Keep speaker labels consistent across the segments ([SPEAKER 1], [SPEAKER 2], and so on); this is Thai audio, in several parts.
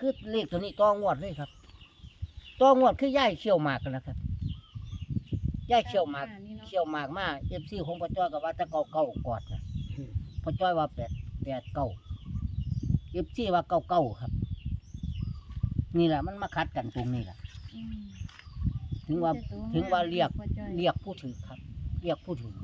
[SPEAKER 1] คือเลขตัวนี้ต้องวดเลยครับต้องวดคือย่ายเชี่ยวหมากกันนะครับย่ายเชี่ยวหมากมาFCของพ่อจ้อยก็ว่าจะเก่ากอดนะพ่อจ้อยว่า8 FCว่าเก่าครับนี่แหละมันมาคัดกันตรงนี้แหละถึงว่าเรียกผู้ถือครับเรียกผู้ถือ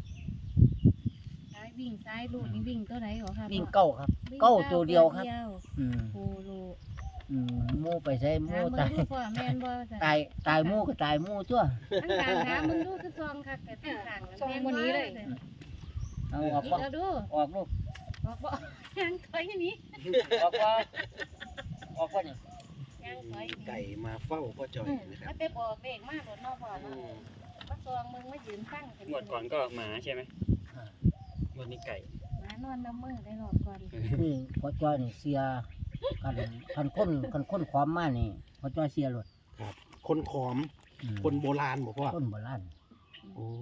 [SPEAKER 2] วิ่งซ้ายลูกนี่วิ่งตัวไหนหรอครับ
[SPEAKER 1] วิ่งเก้าครับเก้าตัวเดียวครับ
[SPEAKER 2] โอ้โห
[SPEAKER 1] หมูไปใช้หมูตาย
[SPEAKER 2] แม่นบ่
[SPEAKER 1] ตายหมูก็ตายหมูตัว
[SPEAKER 2] ตั้งกลางนะมึงดูคือซองค่ะแต่ตั้งกลางซองวันนี้เลย
[SPEAKER 1] เอาออก
[SPEAKER 2] ดู
[SPEAKER 1] ออกลูก
[SPEAKER 2] ออกบ่ยังถอยนี้
[SPEAKER 1] ออกบ่นี่
[SPEAKER 2] ยังถอย
[SPEAKER 3] ไก่มาเฝ้าพ่อจอยนะครับ
[SPEAKER 2] มันไปบอกเด็กมากหมดนอกบ่อเนาะมาซองมึงมายืนตั้ง
[SPEAKER 4] หมดก่อนก็หมาใช่ไหมหมดนี่ไก่
[SPEAKER 2] หมานอนน้ำมือได้รอบก่อน
[SPEAKER 1] นี่พ่อจ้อยนี่เสียคันค้นความมานี่พ่อจ้อยเสียหลด
[SPEAKER 3] ครับคนขอมคนโบราณบอกว่า
[SPEAKER 1] คนโบราณ
[SPEAKER 3] โอ้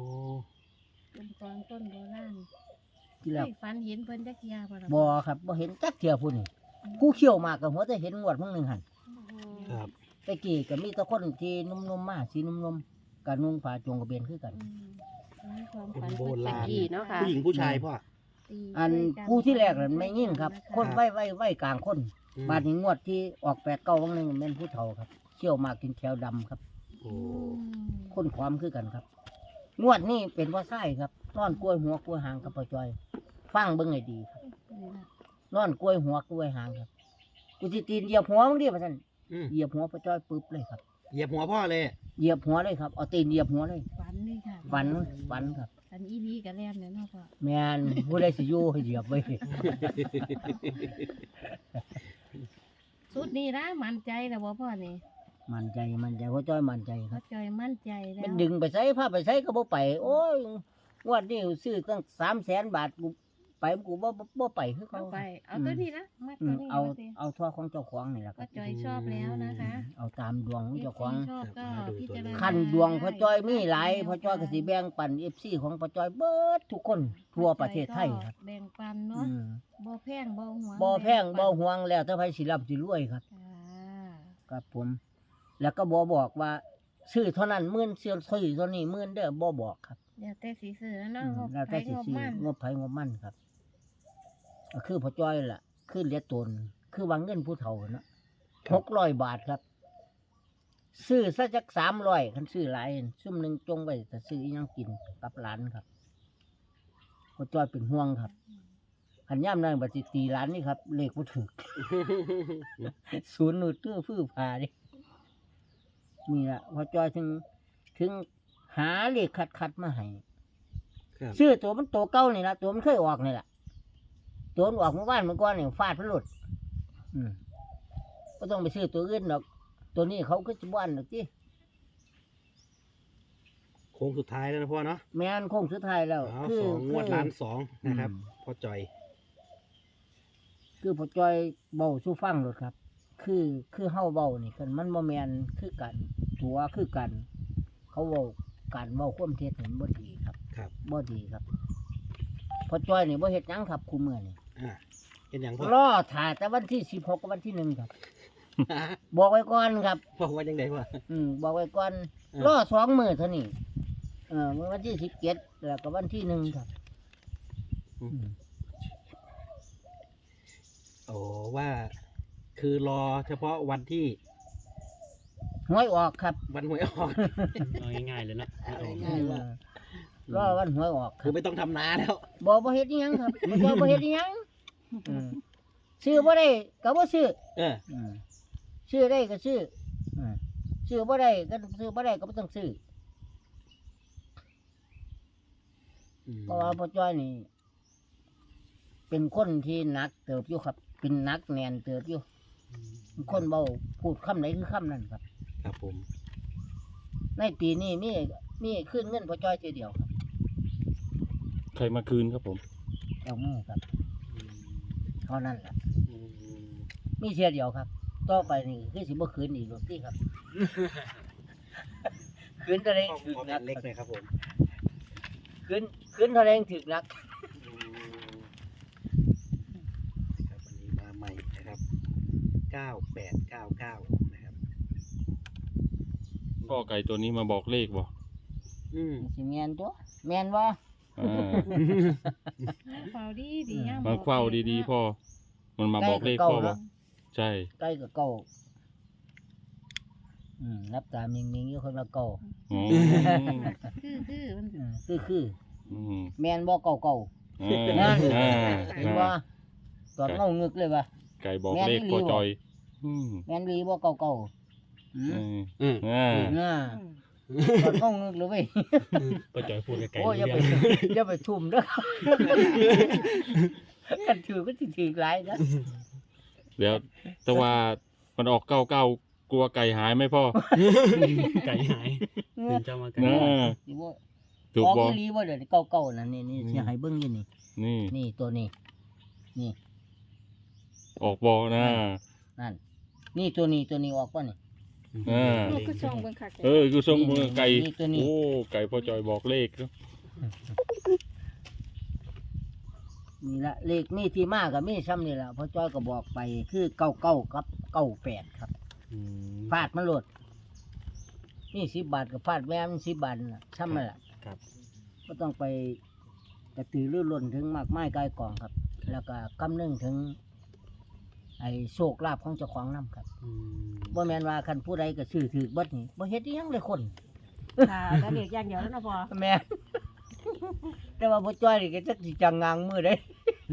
[SPEAKER 2] ต้นโบราณ
[SPEAKER 1] ที่แรก
[SPEAKER 2] ฝันเห็นเพิ่นจักเที่ย
[SPEAKER 1] บ่ครับบ่เห็นจักเที่ยพุ่นนี่ผู้เขี้ยวมากกับหัวจะเห็นงวดมื้อนึงหั่น
[SPEAKER 3] ครับ
[SPEAKER 1] ตะกี้ก็มีแต่คนที่นุ่มๆมาสีนุ่มๆก็นุ่งผ้าจงกระเบนคือกัน
[SPEAKER 3] คนโบราณเนาะค่ะผู้หญิงผู้ชายพ่อ
[SPEAKER 1] อันผู้ที่แรกนั่นไม่ยิ่งครับคนไว้กลางคนบาดนี้งวดที่ออก8 9วันนึงแม่นผู้เฒ่าครับเขี้ยวมากกินแถวดำครับคนความคือกันครับงวดนี้เป็นว่าไส้ครับนอนกล้วยหัวกล้วยหางกับพ่อจ้อยฟังเบิ่งให้ดีครับนอนกล้วยหัวกล้วยหางครับกูสิตีนเหยียบหัวมึงดิว่าซั่นเหยียบหัวพ่อจ้อยปึ๊บเลยครับ
[SPEAKER 3] เหยียบหัวพ่อเลย
[SPEAKER 1] เหยียบหัวเลยครับเอาตีนเหยียบหัวเลย
[SPEAKER 2] ฝันเลยค่ะ
[SPEAKER 1] ฝันครับ
[SPEAKER 2] ฝันอีนี้ก็แล่นเนาะพ่อ
[SPEAKER 1] แม่นผู้ใดสิอยู่ให้เหยียบไว้
[SPEAKER 2] สุดนี้นะมั่นใจแล้วบ่พ่อนี่
[SPEAKER 1] มั่นใจพ่อจ้อยมั่นใจค
[SPEAKER 2] รับพ่อจ้อยมั่นใจแล้ว
[SPEAKER 1] มันดึงไปใส่พาไปใส่ก็บ่ไปโอ้ยงวดนี้ซื้อตั้ง300,000 บาทกูไปกูบ่ไปคือเขา
[SPEAKER 2] ไปเอาตัวนี้นะมาตัวนี้
[SPEAKER 1] เอาทั่วของเจ้าของนี่แหละครับ
[SPEAKER 2] พ่อจ้อยชอบแล้วนะคะ
[SPEAKER 1] เอาตามดวงของเจ้าของ
[SPEAKER 2] ชอบก็พิจารณา
[SPEAKER 1] ขั้นดวงพ่อจ้อยมีหลายพ่อจ้อยก็สิแบ่งปัน FC ของพ่อจ้อยเบิดทุกคนทั่วประเทศไทยครับ
[SPEAKER 2] แบ่งปันเนาะบ่แพงบ่หวง
[SPEAKER 1] บ่หวงแล้วถ้าไผสิรับสิรวยครับครับผมแล้วก็บ่บอกว่าซื้อเท่านั้น10,000ซื้อเท่านี้10,000เด้อบ่บอกครับ
[SPEAKER 2] แล้วแต่สิซื้อเนาะ
[SPEAKER 1] แล้วแต่สิซื้องบไผงบมันครับก็คือพ่อจ้อยล่ะคือเหลือตนคือวางเงินผู้เฒ่าเนาะ600 บาทครับซื้อซะจัก300คันซื้อหลายซุ่มนึงจงไว้จะซื้ออีหยังกินกับหลานครับพ่อจ้อยเป็นห่วงครับคันย่ำนั้นบัดสิตีหลานนี่ครับเลขบ่ถูกศูนย์นูดตื้อฟื้อพาดินี่ล่ะพ่อจ้อยถึงหาเลขคัดมาให้ซื้อตัวมันโตเก่านี่ล่ะตัวมันเคยออกนี่ล่ะตัวมันออกเมื่อวานเมื่อก่อนนี่ฟาดพลุดก็ต้องไปซื้อตัวอื่นดอกตัวนี้เขาก็จะบ้านดอกที่
[SPEAKER 3] โค้งสุดท้ายแล้วนะพ่อเนาะ
[SPEAKER 1] แม่นโค้งสุดท้ายแล้ว
[SPEAKER 3] คือ2 งวดล้าน 2นะครับพ่อจอย
[SPEAKER 1] คือพ่อจอยเบาสู้ฟังรถครับคือเฮาเบานี่กันมันบ่แม่นคือกันตัวคือกันเขาเว้าการเว้าความเท็จนี่บ่ดีครับบ่ดีครับพ่อจอยนี่บ่เฮ็ดหยังครับคุมื้อนี่
[SPEAKER 3] เฮ็ดหยังพ่อ
[SPEAKER 1] รอถ่ายแต่วันที่16กับวันที่1ครับบอกไว้ก่อนครับ
[SPEAKER 3] บอกว่าจังได๋พ่อ
[SPEAKER 1] บอกไว้ก่อนรอ2 มื้อเท่านี้วันที่17แล้วก็วันที่1ครับ
[SPEAKER 3] โอ้ว่าคือรอเฉพาะวันที่
[SPEAKER 1] หวยออกครับ
[SPEAKER 3] วันหวยออก
[SPEAKER 4] ง่ายๆเลยนะ
[SPEAKER 1] รอวันหวยออก
[SPEAKER 3] คือไม่ต้องทำนาแล้ว
[SPEAKER 1] บ่เฮ็ดอีหยังครับบ่เฮ็ดอีหยังซื้อบ่ได้ก็บ่ซื้อซื้อได้ก็ซื้อซื้อบ่ได้ก็ซื้อบ่ได้ก็บ่ต้องซื้อเพราะว่าพ่อจ้อยนี่เป็นคนที่หนักเติบอยู่ครับเป็นนักแน่นเติบอยู่คนเบาพูดคำไหนคือคำนั้นครับ
[SPEAKER 3] ครับผม
[SPEAKER 1] ในปีนี้มีขึ้นเงินพ่อจ้อยทีเดียวครับ
[SPEAKER 4] ใครมาคืนครับผม
[SPEAKER 1] เอามือครับเท่านั้นแหละมีเสียเดียวครับต่อไปนี่คือสิบ่คืนอีกหรอกที่ครับคืนเท่าไรถึกนัก
[SPEAKER 3] เล็กเลยครับผม
[SPEAKER 1] คืนเท่าไรถึกนัก
[SPEAKER 3] ครับวันนี้มาใหม่นะครับ 9899นะครับ
[SPEAKER 5] พ่อไก่ตัวนี้มาบอกเลขบ่
[SPEAKER 1] สิแม่นตัวแม่นบ่
[SPEAKER 5] อ่า
[SPEAKER 2] เฝ้าดีดีงาม
[SPEAKER 5] มันเฝ้าดีๆพ่อมันมาบอกเลขพ่อบ่ใช่
[SPEAKER 1] ใกล้กับเก่ารับตามนิ่งๆอยู่คนละเก่า
[SPEAKER 5] อ๋อ
[SPEAKER 2] คือมัน
[SPEAKER 1] คือ
[SPEAKER 5] อืม
[SPEAKER 1] แม่นบ่เก่า
[SPEAKER 5] อ่า
[SPEAKER 1] นั่น
[SPEAKER 5] อ่า
[SPEAKER 1] เห็นบ่ตอนเงางึกเลยว่ะ
[SPEAKER 5] ไก่บอกเลขพ่อจอยอืม
[SPEAKER 1] แม่นดีบ่เก่าอืม
[SPEAKER 5] อ่า
[SPEAKER 1] น่าตอนเงางึกเลยเว้ย
[SPEAKER 4] พ่อจอยพูดกับไก่
[SPEAKER 1] โอ้ยอย่า
[SPEAKER 4] เรื่
[SPEAKER 1] ไป
[SPEAKER 4] อง
[SPEAKER 1] อย่าไปทุ่มเด้อกันถือก็สิถือหลายนะ
[SPEAKER 5] เดี๋ยวแต่ว่ามันออก99กลัวไก่หายไหมพ่อ
[SPEAKER 4] ไก่หายตื่นเจ้ามาไก่
[SPEAKER 5] นะ
[SPEAKER 1] สิบ่
[SPEAKER 5] ถูก
[SPEAKER 1] ออก
[SPEAKER 5] บ่
[SPEAKER 1] อีหลีบ่เดี๋ยวนี้เก่าๆนั่นนี่สิให้เบิ่งอยู่นี่
[SPEAKER 5] นี่
[SPEAKER 1] นี่ตัวนี้ นี่
[SPEAKER 5] ออกบ่นะ
[SPEAKER 1] นั่นนี่ตัวนี้ออกป่ะนี่
[SPEAKER 5] อ่า
[SPEAKER 2] ลูกก็ช่องเบิ่งคัก
[SPEAKER 5] คือทรงมือไก่
[SPEAKER 1] นี่ตัวนี้
[SPEAKER 5] โอ้ไก่พ่อจอยบอกเลขเนอะ
[SPEAKER 1] นี่ละเลขนี่ที่มากับมีซ้ำนี่ละพ่อจ้อยก็บอกไปคือ99กับ98ครับ
[SPEAKER 4] อืม
[SPEAKER 1] ฟาดมันโลดนี่10 บาทกับฟาดแม่มัน10 บาทนั่นล่ะซ้ำนั่นล่ะ
[SPEAKER 4] ครับ
[SPEAKER 1] ก็ต้องไปกระตือรือร้นถึงมากมายกายกองครับ แล้วก็กำนึงถึง ไอ้โชคลาภของเจ้าของนํครับ
[SPEAKER 4] อืม
[SPEAKER 1] บ่แม่นว่าคันผู้ใดก็ซื้อถือเบิดนี่บ่เฮ็ดอีหยังเลยคน
[SPEAKER 2] ค่ะแล้วเด็กอย่างเดียวแล้วนะพ่อ
[SPEAKER 1] แม่ แต่ว่าพ่อจ้อยนี่ก็จักสิจังงางมือได้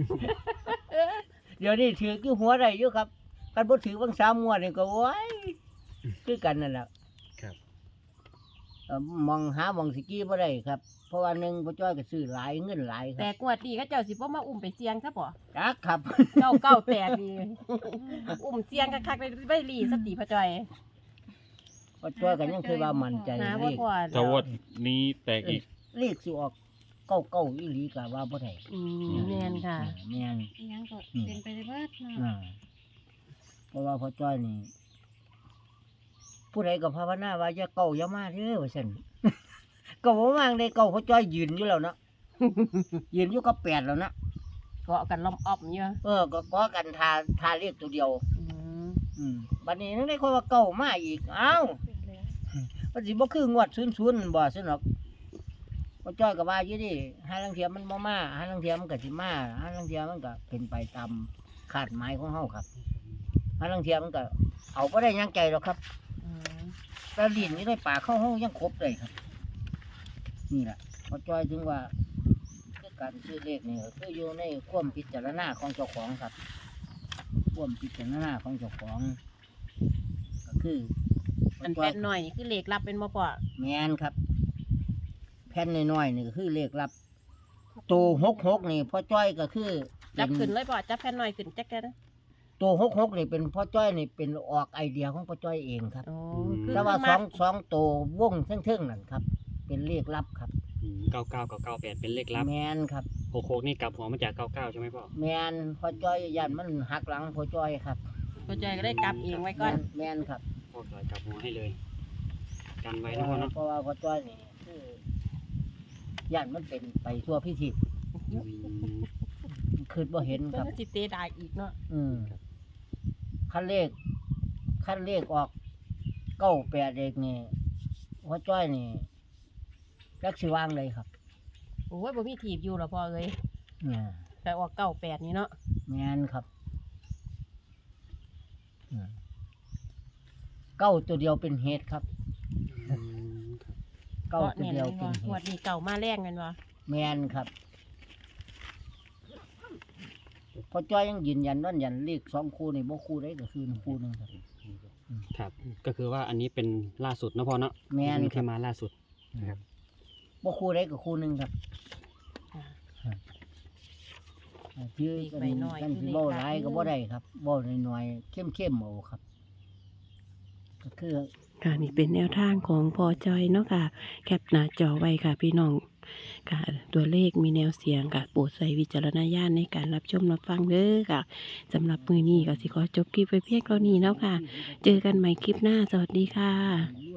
[SPEAKER 1] เดี๋ยวนี้ถือกี่หัวได้อยู่ครับกันบ่ถือบาง3งวดนี่ก็โอ้ยคือกันนั่นแหละ
[SPEAKER 4] ครับ
[SPEAKER 1] มองหามองสิกี้บ่ได้ครับ เพราะว่าหนึงพ่อจ้อยก็ซื้อหลายเงินหลายค
[SPEAKER 2] แต่
[SPEAKER 1] รับ
[SPEAKER 2] กวดดีก็เจ้าสิบ่มาอุ้มไปเสียงซะบ่
[SPEAKER 1] จักครับ
[SPEAKER 2] 998นี่อุ้มเสียงคักๆไปรีสติพ่อจอย
[SPEAKER 1] พ่อจ้อยก็ยังคือว่ามั่นใจ
[SPEAKER 2] หา
[SPEAKER 1] เล
[SPEAKER 2] บ่
[SPEAKER 1] ข
[SPEAKER 2] พอ
[SPEAKER 5] ถ้างวดนี้แตกอีก
[SPEAKER 1] เลขสิออกเก้าอีหลีก็ว่าบ่ได้
[SPEAKER 2] แม่นค่ะ
[SPEAKER 1] แม่น
[SPEAKER 2] อีหยังก็เป็นไปได้เบิดเนาะ
[SPEAKER 1] อ่าเพราะว่าพ่อจ้อยนี่ ผู้ใดก็ภาวนาว่าอย่าเก่าอย่ามาเด้อว่าซั่น ก็บ่ว่างได้เก่าพ่อจ้อยยืนอยู่แล้วเนาะ ยืนอยู่กับ8แล้วนะ
[SPEAKER 2] เกาะกันล้อมอ้อมอยู่
[SPEAKER 1] ก็ขอกันทาเรียกตัวเดียว
[SPEAKER 2] อืม
[SPEAKER 1] บัดนี้นึกได้คนว่าเก่ามาอีกอ้าวมันสิบ่คืองวด00บ่ซั่นหรอกพ่อจ้อยก็ว่าอยู่ดิหาลางเทียมันบ่มาหาลางเทียมันก็สิมาหาลางเทียมันก็เป็นไปตามคาดหมายของเฮาครับหาลางเทียมันก็เอาบ่ได้หยังใจหรอกครับ
[SPEAKER 2] อืม
[SPEAKER 1] แต่ลิ้นนี่ได้ปากเข้าเฮายังครบเลยครับ นี่แหละพ่อจ้อยถึงว่าคือการซื้อเลขนี่ก็คืออยู่ในความพิจารณาของเจ้าของครับ ความพิจารณาของเจ้าของ ก็คือ
[SPEAKER 2] อันแป้นหน่อยนี่คือเลขลับเป็นบ่พ่อ
[SPEAKER 1] แมนครับ แผ่นน้อยๆนี่ก็คือเลขลับโต66นี่พ่อจ้อยก็คือ
[SPEAKER 2] จับขึ้นเลยพ่อจับแผ่นหน่อยขึ้นจักแค่นั้น
[SPEAKER 1] โต66นี่เป็นพ่อจ้อยนี่เป็นออกไอเดียของพ่อจ้อยเองครับ
[SPEAKER 2] อ๋อคือ
[SPEAKER 1] แต่ว่า
[SPEAKER 2] คือ
[SPEAKER 1] สองโตวงเทิงๆนั่นครับ เป็นเลขลับครับ
[SPEAKER 4] 99กับ98เป็นเลขลับ
[SPEAKER 1] แมนครับ
[SPEAKER 4] 66นี่กลับหัวมาจาก99ใช่ไหมพ่อ
[SPEAKER 1] แมนพ่อจ้อยยันมันหักหลังพ่อจ้อยครับ
[SPEAKER 2] พ่อจอยก็ได้กลับเองไว้ก่อน
[SPEAKER 1] แมนครับ
[SPEAKER 4] พ่อจอยกลับหัวให้เลย กันไว้นะพ่อเนาะ
[SPEAKER 1] เพราะว่าพ่อจ้อยนี่คือยันมันเป็นไปทั่วพิธี
[SPEAKER 4] อืม
[SPEAKER 1] คือบ่เห็น
[SPEAKER 2] เพิ่
[SPEAKER 1] คน รับ
[SPEAKER 2] ก็สิเตะได้อีกเนาะ
[SPEAKER 1] ขั้นเลขออก98เด็กนี่พ่อจ้อยนี่จักสิวางเลยครับ
[SPEAKER 2] โอ้ยบ่มีถีบอยู่หรอพ่อเอ้ย
[SPEAKER 1] เนี่ย
[SPEAKER 2] แต่ออก98นี่เนาะ
[SPEAKER 1] แมนครับเก้าตัวเดียวเป็นเหตุครับ
[SPEAKER 4] อืมครับ
[SPEAKER 1] เก้าตัวเดียวเป็น
[SPEAKER 2] งวด
[SPEAKER 1] เหตุ
[SPEAKER 2] นี้เก่ามาแรงกันบ่
[SPEAKER 1] แมนครับพอจ้อยยังยืนยันนั่นยันเลข2คู่นี่บ่คู่ได้ก็คือคู่หนึงครับ
[SPEAKER 4] ครับ ก็คือว่าอันนี้เป็นล่าสุดนะพ่อเนาะ
[SPEAKER 1] แมนค
[SPEAKER 4] ที่
[SPEAKER 1] รับ
[SPEAKER 4] มาล่าสุดนะครับ
[SPEAKER 1] บ่คู่ได้ก็คู่หนึงครับคือกันสิบ่หลายก็บ่ได้ครับบ่น้อยๆเข้มๆเอาครับ ก็คือ
[SPEAKER 6] ค่ะนี่เป็นแนวทางของพอจอยเนาะค่ะ แคปหน้าจอไว้ค่ะพี่น้องค่ะ ตัวเลขมีแนวเสียงค่ะโปรดใส่วิจารณญาณในการรับชมรับฟังเด้อค่ะสำหรับมือนี้ก็สิขอจบคลิปไปเพียงเท่านี้แล้วค่ะ เจอกันใหม่คลิปหน้าสวัสดีค่ะ
[SPEAKER 1] รวย